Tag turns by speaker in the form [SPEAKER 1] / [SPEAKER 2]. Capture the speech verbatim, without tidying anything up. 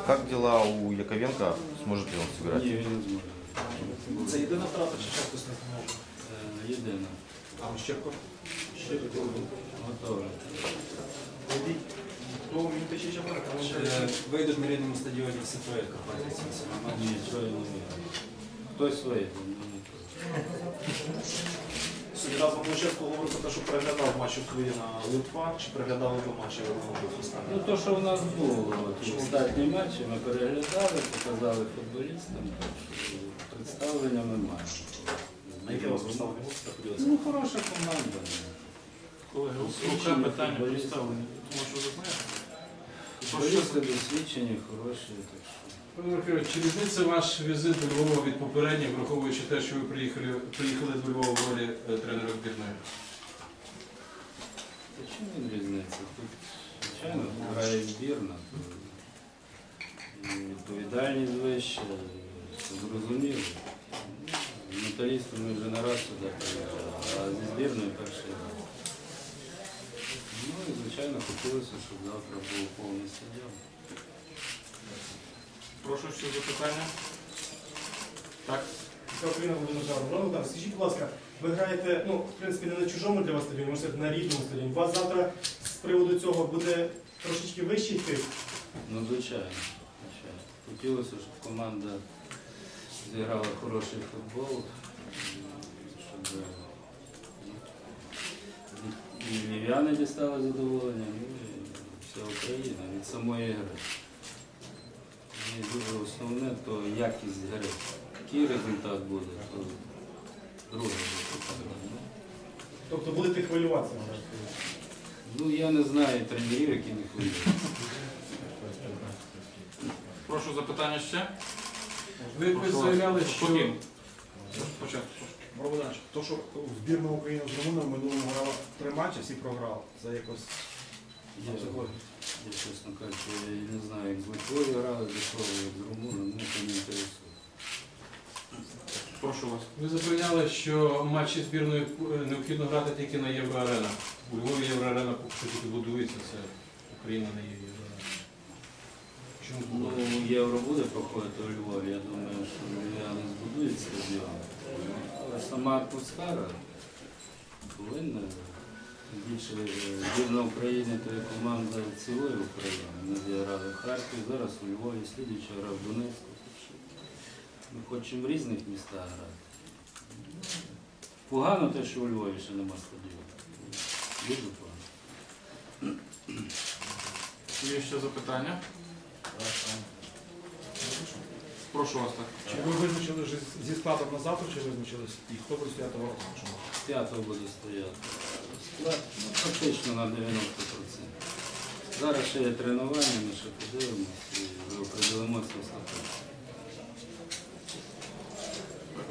[SPEAKER 1] как дела у Яковенко? Сможет ли он сыграть?
[SPEAKER 2] Ні, він не зможе.
[SPEAKER 3] Це єдина втрата, чи ще хтось не зможе?
[SPEAKER 2] Е, Єдина.
[SPEAKER 3] А Ощепко?
[SPEAKER 2] Щепко готовий.
[SPEAKER 3] То він пече чапара, тому що вийдуть на рідному стадіоні в СПЛ копатися на матчі.
[SPEAKER 2] Ні, чого я не вірю. Хтось вийде, ну не то.
[SPEAKER 3] Сьогодні разом Ощепко говорив про те, що переглядав матч Україна-Литва, чи переглядали ви матчі Європейського?
[SPEAKER 2] Ну то, що в нас було, от, останні матчі ми переглядали, показали футболістам, так що представлення ми маємо.
[SPEAKER 3] На яке у вас представлення можете поділитися?
[SPEAKER 2] Ну, хороша команда.
[SPEAKER 4] Колеги,
[SPEAKER 2] Досвідчені
[SPEAKER 4] окреме питання
[SPEAKER 2] футболісти.
[SPEAKER 4] представлені, тому що ви знаєте.
[SPEAKER 2] Футболісти досвідчені, хороші, так що.
[SPEAKER 4] Пане Михайло, чи різниця ваш візит до Львова від попередніх, враховуючи те, що ви приїхали, приїхали до Львова в ролі е, тренера збірної?
[SPEAKER 2] Та чому він різниця? Тут, звичайно, грає збірна, то і відповідальність вища, це зрозуміло. Ну, металістом ми вже не раз сюди приїжджали, а зі збірною перший раз. Ну і, звичайно, хотілося, щоб завтра був повний стадіон.
[SPEAKER 4] Прошу, що запитання? Так.
[SPEAKER 5] Україна Володимир, скажіть, будь ласка, ви граєте, ну, в принципі, не на чужому для вас стадіоні, можна сказати, на рідному стадіоні. У вас завтра з приводу цього буде трошечки вищий тиск?
[SPEAKER 2] Ну, звичайно, звичайно. Хотілося, щоб команда зіграла хороший футбол, щоб і львів'яни дістали задоволення, ну і вся Україна від самої гри. І дуже основне, то якість гри. Який результат буде, то друге питання.
[SPEAKER 5] Тобто будете хвилюватися?
[SPEAKER 2] Ну, я не знаю тренерів, які не хвилюються.
[SPEAKER 4] Прошу запитання ще.
[SPEAKER 6] Ви, ви заявляли, що
[SPEAKER 4] Спокійно. Початку.
[SPEAKER 6] Богданович, то, що збірна України з Румуном в минулому грала три матчі, всі програли. Це якось
[SPEAKER 2] Я, я, чесно кажучи, я не знаю, як з Литвою грали, до того, як з Румуном, мене це не інтересує.
[SPEAKER 4] Прошу вас.
[SPEAKER 5] Ви запевняли, що матчі збірної необхідно грати тільки на Євроарена. У Львові Євроарена поки що тільки будується, це Україна не є Євроарена. Чому
[SPEAKER 2] Ну,
[SPEAKER 5] буде?
[SPEAKER 2] євро буде проходити у Львові, я думаю, що львів'яни збудують стадіон. Але сама атмосфера повинна. Більше збірна України, то є команда цілої України. Ми зіграли в Харкові, зараз у Львові, слідуюча гра в Донецьку. Ми хочемо в різних містах грати. Погано те, що у Львові ще нема стадіону. Дуже погано.
[SPEAKER 4] Є ще запитання? Прошу вас так.
[SPEAKER 6] Чи ви визначили вже зі складом на завтра, чи визначились? І хто буде стояти в воротах?
[SPEAKER 2] П'ятого буде стояти. Склад ну, практично на дев'яносто відсотків. Зараз ще є тренування, ми ще подивимося і вже определимося остаточно.